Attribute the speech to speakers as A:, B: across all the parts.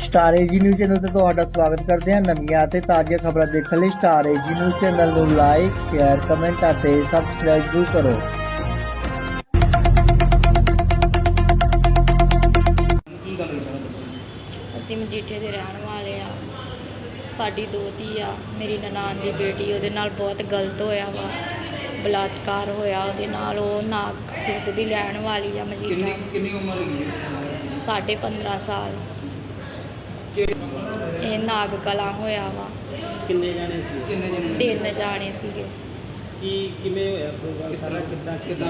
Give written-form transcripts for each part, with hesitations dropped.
A: Star ਏਜੀ news channel ਤੇ ਤੁਹਾਡਾ ਸਵਾਗਤ ਕਰਦੇ ਹਾਂ। ਨਵੀਆਂ ਅਤੇ ਤਾਜ਼ੀਆਂ ਖਬਰਾਂ ਦੇਖਣ ਲਈ ਸਟਾਰ ਏਜੀ ਨਿਊਜ਼ ਚੈਨਲ ਨੂੰ ਲਾਈਕ, ਸ਼ੇਅਰ, ਕਮੈਂਟ ਅਤੇ ਸਬਸਕ੍ਰਾਈਬ ਜ਼ਰੂਰ ਕਰੋ।
B: ਕੀ ਗੱਲ ਹੋਈ ਸਰ?
C: ਅਸੀਂ ਮਜੀਠੇ ਦੇ ਰਹਿਣ ਵਾਲੇ ਆ। ਸਾਡੀ ਦੋਤੀ ਆ, ਮੇਰੀ ਨਨਾਣ ਦੀ ਬੇਟੀ, ਉਹਦੇ ਨਾਲ ਬਹੁਤ ਗਲਤ ਹੋਇਆ ਵਾ, ਬਲਾਤਕਾਰ ਹੋਇਆ ਉਹਦੇ ਨਾਲ। ਉਹ ਨਾਗ ਖੁਰਦ ਦੀ ਲੈਣ ਵਾਲੀ ਆ ਮਜੀਠਾ।
B: ਕਿੰਨੀ ਉਮਰ ਹੈਗੀ?
C: 15.5 ਸਾਲ। ਇਹ ਨਾਗ ਕਲਾਂ ਹੋਇਆ ਵਾ।
D: ਕਿੰਨੇ ਜਾਣੇ ਸੀ?
C: 3 ਜਾਣੇ ਸੀਗੇ।
D: ਕਿਵੇਂ ਹੋਇਆ ਪ੍ਰੋਗਰਾਮ ਸਾਰਾ? ਕਿੱਦਾਂ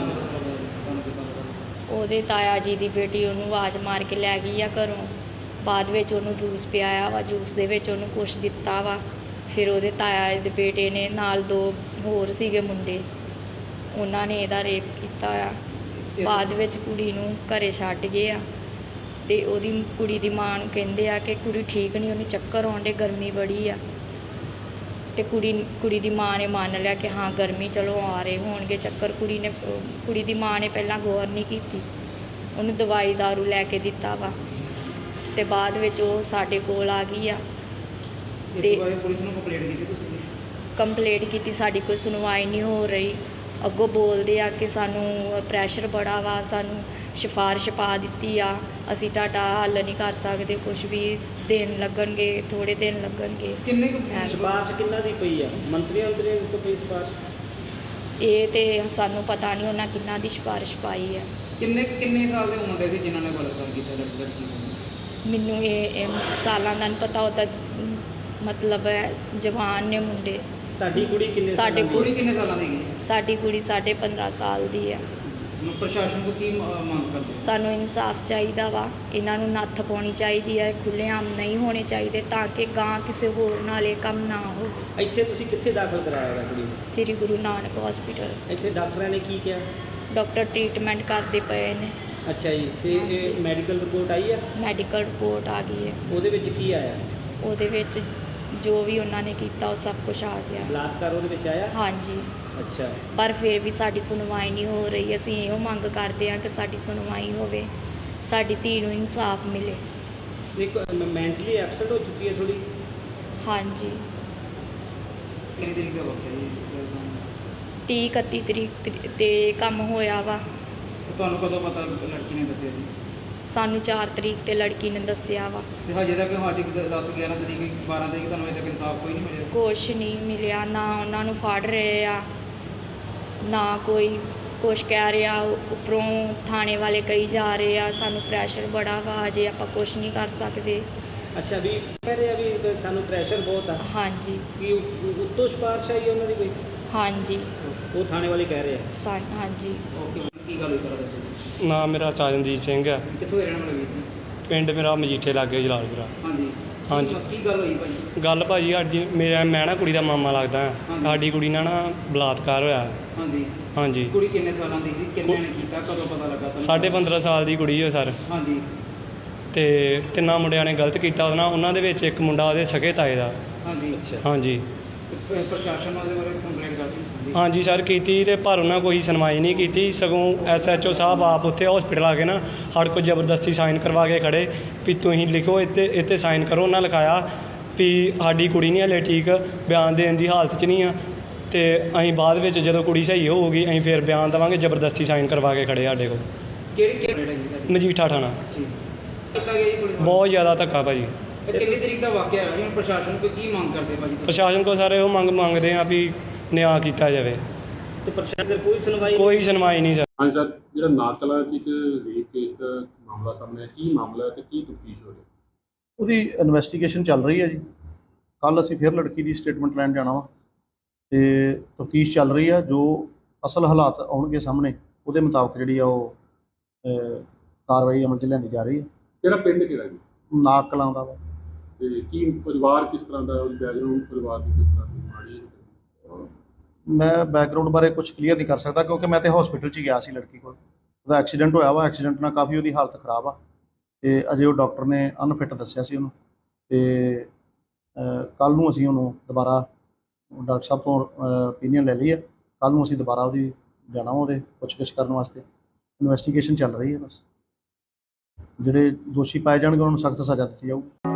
C: ਉਹਦੇ ਤਾਇਆ ਜੀ ਦੀ ਬੇਟੀ ਉਹਨੂੰ ਆਵਾਜ਼ ਮਾਰ ਕੇ ਲੈ ਗਈ ਆ ਘਰੋਂ। ਬਾਅਦ ਵਿੱਚ ਉਹਨੂੰ ਜੂਸ ਪਿਆਇਆ ਵਾ, ਜੂਸ ਦੇ ਵਿੱਚ ਉਹਨੂੰ ਕੁਛ ਦਿੱਤਾ ਵਾ। ਫਿਰ ਉਹਦੇ ਤਾਇਆ ਦੇ ਬੇਟੇ ਨੇ ਨਾਲ 2 ਹੋਰ ਸੀਗੇ ਮੁੰਡੇ, ਉਹਨਾਂ ਨੇ ਇਹਦਾ ਰੇਪ ਕੀਤਾ ਆ। ਬਾਅਦ ਵਿੱਚ ਕੁੜੀ ਨੂੰ ਘਰੇ ਛੱਡ ਗਏ ਆ ਅਤੇ ਉਹਦੀ ਕੁੜੀ ਦੀ ਮਾਂ ਨੂੰ ਕਹਿੰਦੇ ਆ ਕਿ ਕੁੜੀ ਠੀਕ ਨਹੀਂ, ਉਹਨੂੰ ਚੱਕਰ ਆਉਣ ਡੇ, ਗਰਮੀ ਬੜੀ ਆ। ਅਤੇ ਕੁੜੀ ਦੀ ਮਾਂ ਨੇ ਮੰਨ ਲਿਆ ਕਿ ਹਾਂ ਗਰਮੀ, ਚਲੋ ਆ ਰਹੇ ਹੋਣਗੇ ਚੱਕਰ। ਕੁੜੀ ਦੀ ਮਾਂ ਨੇ ਪਹਿਲਾਂ ਗੌਰ ਨਹੀਂ ਕੀਤੀ, ਉਹਨੂੰ ਦਵਾਈ ਦਾਰੂ ਲੈ ਕੇ ਦਿੱਤਾ ਵਾ। ਅਤੇ ਬਾਅਦ ਵਿੱਚ ਉਹ ਸਾਡੇ ਕੋਲ ਆ ਗਈ ਆ
B: ਤੇ ਪੁਲਿਸ ਨੂੰ ਕੰਪਲੇਂਟ ਕੀਤੀ ਤੁਸੀਂ?
C: ਕੰਪਲੇਂਟ ਕੀਤੀ, ਸਾਡੀ ਕੋਈ ਸੁਣਵਾਈ ਨਹੀਂ ਹੋ ਰਹੀ। ਅੱਗੋਂ ਬੋਲਦੇ ਆ ਕਿ ਸਾਨੂੰ ਪ੍ਰੈਸ਼ਰ ਬੜਾ ਵਾ, ਸਾਨੂੰ ਸਿਫਾਰਿਸ਼ ਪਾ ਦਿੱਤੀ ਆ, ਅਸੀਂ ਤੁਹਾਡਾ ਹੱਲ ਨਹੀਂ ਕਰ ਸਕਦੇ, ਕੁਛ ਵੀ ਦਿਨ ਲੱਗਣਗੇ, ਥੋੜ੍ਹੇ ਦਿਨ ਲੱਗਣਗੇ।
B: ਕਿੰਨੇ ਕੁ
D: ਸਿਫਾਰਿਸ਼ ਕਿੰਨਾ ਦੀ ਪਈ ਆ? ਮੰਤਰੀਆਂ ਤੋਂ ਪਈ ਸਿਫਾਰਿਸ਼?
C: ਇਹ ਤੇ ਸਾਨੂੰ ਪਤਾ ਨਹੀਂ ਉਹਨਾਂ ਕਿੰਨਾ ਦੀ ਸਿਫਾਰਿਸ਼ ਪਾਈ ਆ।
B: ਕਿੰਨੇ ਸਾਲ ਦੇ ਮੁੰਡੇ ਸੀ ਜਿਨ੍ਹਾਂ ਨੇ ਬਲਾਤਕਾਰ ਕੀਤਾ ਲੜਕੀ ਨੂੰ?
C: ਮੈਨੂੰ ਇਹ ਸਾਲਾਂ ਦਾ ਨਹੀਂ ਪਤਾ, ਉਹਦਾ ਮਤਲਬ ਹੈ ਜਵਾਨ ਨੇ ਮੁੰਡੇ।
D: ਤੁਹਾਡੀ ਕੁੜੀ ਕਿੰਨੇ
C: ਸਾਡੇ
D: ਸਾਲਾਂ ਦੀ?
B: ਕੁੜੀ ਕਿੰਨੇ ਸਾਲਾਂ ਦੀ ਹੈ?
C: ਸਾਡੀ ਕੁੜੀ 15.5 ਸਾਲ ਦੀ ਆ।
B: ਪ੍ਰਸ਼ਾਸਨ ਤੋਂ ਕੀ ਮੰਗ ਕਰਦੇ?
C: ਸਾਨੂੰ ਇਨਸਾਫ ਚਾਹੀਦਾ ਵਾ, ਇਹਨਾਂ ਨੂੰ ਨੱਥ ਪਾਉਣੀ ਚਾਹੀਦੀ ਹੈ, ਖੁੱਲ੍ਹੇਆਮ ਨਹੀਂ ਹੋਣੇ ਚਾਹੀਦੇ, ਤਾਂ ਕਿ ਗਾਂ ਕਿਸੇ ਹੋਰ ਨਾਲ ਇਹ ਕੰਮ ਨਾ ਹੋ।
D: ਇੱਥੇ ਤੁਸੀਂ ਕਿੱਥੇ ਦਾਖਲ ਕਰਾਇਆ ਹੋਇਆ ਕੁੜੀ ਨੂੰ?
C: ਸ੍ਰੀ ਗੁਰੂ ਨਾਨਕ ਹਸਪੀਟਲ।
D: ਇੱਥੇ ਡਾਕਟਰਾਂ ਨੇ ਕੀ ਕਿਹਾ?
C: ਡਾਕਟਰ ਟ੍ਰੀਟਮੈਂਟ ਕਰਦੇ ਪਏ ਨੇ।
D: ਅੱਛਾ ਜੀ, ਤੇ ਇਹ ਮੈਡੀਕਲ ਰਿਪੋਰਟ ਆਈ ਆ?
C: ਮੈਡੀਕਲ ਰਿਪੋਰਟ ਆ ਗਈ ਹੈ,
D: ਉਹਦੇ ਵਿੱਚ ਕੀ ਆਇਆ?
C: ਉਹਦੇ ਵਿੱਚ ਜੋ ਵੀ ਉਹਨਾਂ ਨੇ ਕੀਤਾ ਉਹ ਸਭ ਕੁਝ ਆ ਗਿਆ।
D: ਬਲਾਤਕਾਰ ਉਹਦੇ ਵਿੱਚ ਆਇਆ?
C: ਹਾਂਜੀ,
D: ਅੱਛਾ।
C: ਪਰ ਫਿਰ ਵੀ ਸਾਡੀ ਸੁਣਵਾਈ ਨਹੀਂ ਹੋ ਰਹੀ। ਅਸੀਂ ਇਹੋ ਮੰਗ ਕਰਦੇ ਹਾਂ ਕਿ ਸਾਡੀ ਸੁਣਵਾਈ ਹੋਵੇ, ਸਾਡੀ ਧੀ ਨੂੰ ਇਨਸਾਫ ਮਿਲੇ।
D: ਇੱਕ ਮੈਂਟਲੀ ਐਬਸੈਂਟ ਹੋ ਚੁੱਕੀ ਹੈ ਥੋੜੀ?
C: ਹਾਂਜੀ,
B: ਕਿੰਨੀ ਤਰੀਕ ਦਾ ਵਕਤ ਹੈ ਜੀ?
C: 30-31 ਤਰੀਕ ਤੇ ਕੰਮ ਹੋਇਆ ਵਾ।
B: ਤੁਹਾਨੂੰ ਕਦੋਂ ਪਤਾ ਲੜਕੀ ਨੇ ਦੱਸਿਆ ਜੀ?
C: ਸਾਨੂੰ 4 ਤਰੀਕ ਤੇ ਲੜਕੀ ਨੇ ਦੱਸਿਆ ਵਾ।
B: ਤੇ ਹਜੇ ਤੱਕ 10-11 ਤਰੀਕ 12 ਤਰੀਕ ਤੁਹਾਨੂੰ ਅਜੇ ਤੱਕ ਇਨਸਾਫ ਕੋਈ ਨਹੀਂ ਮਿਲਿਆ?
C: ਕੁਛ ਨਹੀਂ ਮਿਲਿਆ, ਨਾ ਉਹਨਾਂ ਨੂੰ ਫੜ ਰਹੇ ਆ, ਨਾ ਕੋਈ ਕੁਛ ਕਹਿ ਰਿਹਾ। ਉੱਪਰੋਂ ਥਾਣੇ ਵਾਲੇ ਕਹੀ ਜਾ ਰਹੇ ਆ ਸਾਨੂੰ ਪ੍ਰੈਸ਼ਰ ਬੜਾ ਵਾ, ਅਜੇ ਆਪਾਂ ਕੁਛ ਨਹੀਂ ਕਰ ਸਕਦੇ।
D: ਅੱਛਾ, ਵੀ ਕਹਿ ਰਹੇ ਆ ਵੀ ਸਾਨੂੰ ਪ੍ਰੈਸ਼ਰ ਬਹੁਤ ਆ?
C: ਹਾਂਜੀ।
D: ਕੀ ਉੱਤੋਂ ਸਿਫਾਰਿਸ਼ ਆਈ ਉਹਨਾਂ ਦੀ ਕੋਈ?
C: ਹਾਂਜੀ,
D: ਉਹ ਥਾਣੇ ਵਾਲੇ ਕਹਿ ਰਹੇ ਆ?
C: ਹਾਂਜੀ।
B: ਓਕੇ, ਕੀ ਗੱਲ ਹੋਈ ਸਾਰਾ ਦੱਸੋ ਜੀ।
E: ਨਾਮ ਮੇਰਾ ਸਾਜਨਦੀਪ ਸਿੰਘ ਹੈ।
B: ਕਿੱਥੋਂ ਦੇ ਰਹਿਣ ਵਾਲੇ ਵੀਰ ਜੀ?
E: ਪਿੰਡ ਮੇਰਾ ਮਜੀਠੇ ਲਾਗੇ ਜਲਾਲਪੁਰਾ।
B: ਹਾਂਜੀ
E: ਹਾਂਜੀ।
B: ਕੀ ਗੱਲ ਹੋਈ ਭਾਈ?
E: ਗੱਲ ਭਾਜੀ ਸਾਡੀ, ਮੈਂ ਨਾ ਕੁੜੀ ਦਾ ਮਾਮਾ ਲੱਗਦਾ ਹਾਂ।
B: ਹਾਂਜੀ।
E: ਸਾਡੀ ਕੁੜੀ ਨਾਲ ਨਾ ਬਲਾਤਕਾਰ ਹੋਇਆ।
B: ਹਾਂਜੀ।
E: ਹਾਂਜੀ।
B: ਕੁੜੀ ਕਿੰਨੇ ਸਾਲਾਂ ਦੀ ਸੀ? ਕਿੰਨੇ ਨੇ ਕੀਤਾ? ਕਦੋਂ ਪਤਾ ਲੱਗਾ ਤੁਹਾਨੂੰ?
E: 15.5 ਸਾਲ ਦੀ ਕੁੜੀ ਹੈ ਸਰ।
B: ਹਾਂਜੀ।
E: ਤੇ 3 ਮੁੰਡਿਆਂ ਨੇ ਗਲਤ ਕੀਤਾ ਉਹਦੇ ਨਾਲ। ਉਹਨਾਂ ਦੇ ਵਿੱਚ ਇੱਕ ਮੁੰਡਾ ਉਹਦੇ ਸਕੇ ਤਾਏ ਦਾ।
B: ਹਾਂਜੀ।
E: ਹਾਂਜੀ।
B: ਤੇ ਪ੍ਰਸ਼ਾਸਨ ਉਹਦੇ ਬਾਰੇ ਕੰਪਲੇਂਟ ਕਰਤੀ?
E: ਹਾਂਜੀ ਸਰ ਕੀਤੀ, ਤੇ ਪਰ ਉਹਨਾਂ ਕੋਈ ਸੁਣਵਾਈ ਨਹੀਂ ਕੀਤੀ। ਸਗੋਂ SHO ਸਾਹਿਬ ਆਪ ਉੱਥੇ ਹਸਪੀਟਲ ਆ ਕੇ ਨਾ ਸਾਡੇ ਕੋਲ ਜ਼ਬਰਦਸਤੀ ਸਾਈਨ ਕਰਵਾ ਕੇ ਖੜੇ ਵੀ ਤੁਸੀਂ ਲਿਖੋ, ਇੱਥੇ ਸਾਈਨ ਕਰੋ। ਉਹਨਾਂ ਲਿਖਾਇਆ ਵੀ ਸਾਡੀ ਕੁੜੀ ਨਹੀਂ ਹਲੇ ਠੀਕ, ਬਿਆਨ ਦੇਣ ਦੀ ਹਾਲਤ 'ਚ ਨਹੀਂ ਆ, ਤੇ ਅਸੀਂ ਬਾਅਦ ਵਿੱਚ ਜਦੋਂ ਕੁੜੀ ਸਹੀ ਹੋਊਗੀ ਅਸੀਂ ਫਿਰ ਬਿਆਨ ਦੇਵਾਂਗੇ। ਜ਼ਬਰਦਸਤੀ ਸਾਈਨ ਕਰਵਾ ਕੇ ਖੜੇ ਸਾਡੇ ਕੋਲ।
B: ਕਿਹੜੀ
E: ਮਜੀਠਾ ਥਾਣਾ।
B: ਠੀਕ ਕੀਤਾ ਗਿਆ ਜੀ ਕੁੜੀ ਨੂੰ?
E: ਬਹੁਤ ਜ਼ਿਆਦਾ ਧੱਕਾ ਭਾਜੀ।
B: ਇਹ ਕਿੰਨੀ ਤਰੀਕ ਦਾ ਵਾਕਿਆ ਹੈ ਜੀ? ਹੁਣ ਪ੍ਰਸ਼ਾਸਨ ਕੋਲ ਕੀ ਮੰਗ ਕਰਦੇ ਭਾਜੀ ਤੁਸੀਂ?
E: ਪ੍ਰਸ਼ਾਸਨ ਕੋਲ ਸਾਰੇ ਉਹ ਮੰਗਦੇ ਆ ਵੀ ਨਿਆਂ ਕੀਤਾ ਜਾਵੇ।
D: ਤੇ ਪ੍ਰਸ਼ਾਸਨ ਦੀ ਕੋਈ ਸੁਣਵਾਈ?
E: ਕੋਈ ਸੁਣਵਾਈ ਨਹੀਂ ਸਰ।
F: ਹਾਂਜੀ ਸਰ, ਜਿਹੜਾ ਨਾਗਕਲਾਂ 'ਚ ਇੱਕ ਰੇਪ ਕੇਸ ਦਾ ਮਾਮਲਾ ਸਾਹਮਣੇ ਆਇਆ, ਕੀ ਮਾਮਲਾ ਹੈ ਤੇ ਕੀ ਤਫਤੀਸ਼ ਹੋ ਰਹੀ ਹੈ?
G: ਉਹਦੀ ਇਨਵੈਸਟੀਗੇਸ਼ਨ ਚੱਲ ਰਹੀ ਹੈ ਜੀ। ਕੱਲ੍ਹ ਅਸੀਂ ਫਿਰ ਲੜਕੀ ਦੀ ਸਟੇਟਮੈਂਟ ਲੈਣ ਜਾਣਾ ਵਾ, ਅਤੇ ਤਫਤੀਸ਼ ਚੱਲ ਰਹੀ ਆ। ਜੋ ਅਸਲ ਹਾਲਾਤ ਆਉਣਗੇ ਸਾਹਮਣੇ, ਉਹਦੇ ਮੁਤਾਬਕ ਜਿਹੜੀ ਆ ਉਹ ਕਾਰਵਾਈ ਅਮਲ 'ਚ ਲਿਆਂਦੀ ਜਾ ਰਹੀ ਹੈ।
F: ਕਿਹੜਾ ਪਿੰਡ ਕਿਹੜਾ ਜੀ?
G: ਨਾਗਕਲਾਂ ਦਾ ਵਾ।
F: ਤੇ ਕੀ ਪਰਿਵਾਰ ਕਿਸ ਤਰ੍ਹਾਂ ਦਾ, ਉਹਦੀ ਬੈਕਗਰਾਊਂਡ ਪਰਿਵਾਰ ਦੀ ਕਿਸ ਤਰ੍ਹਾਂ ਦੀ ਮਾੜੀ ਹੈ?
G: ਮੈਂ ਬੈਕਗਰਾਊਂਡ ਬਾਰੇ ਕੁਝ ਕਲੀਅਰ ਨਹੀਂ ਕਰ ਸਕਦਾ, ਕਿਉਂਕਿ ਮੈਂ ਤਾਂ ਹਸਪੀਟਲ 'ਚ ਗਿਆ ਸੀ ਲੜਕੀ ਕੋਲ। ਉਹਦਾ ਐਕਸੀਡੈਂਟ ਹੋਇਆ ਵਾ, ਐਕਸੀਡੈਂਟ ਨਾਲ ਕਾਫੀ ਉਹਦੀ ਹਾਲਤ ਖਰਾਬ ਆ, ਅਤੇ ਅਜੇ ਉਹ ਡਾਕਟਰ ਨੇ ਅਨਫਿਟ ਦੱਸਿਆ ਸੀ ਉਹਨੂੰ। ਅਤੇ ਕੱਲ੍ਹ ਨੂੰ ਅਸੀਂ ਉਹਨੂੰ ਦੁਬਾਰਾ ਡਾਕਟਰ ਸਾਹਿਬ ਤੋਂ ਓਪੀਨੀਅਨ ਲੈ ਲਈ ਹੈ। ਕੱਲ੍ਹ ਨੂੰ ਅਸੀਂ ਦੁਬਾਰਾ ਉਹਦੀ ਜਾਣਾ ਉਹਦੇ ਪੁੱਛਗਿੱਛ ਕਰਨ ਵਾਸਤੇ। ਇਨਵੈਸਟੀਗੇਸ਼ਨ ਚੱਲ ਰਹੀ ਹੈ ਬਸ। ਜਿਹੜੇ ਦੋਸ਼ੀ ਪਾਏ ਜਾਣਗੇ ਉਹਨਾਂ ਨੂੰ ਸਖਤ ਸਜ਼ਾ ਦਿੱਤੀ ਜਾਊਗੀ।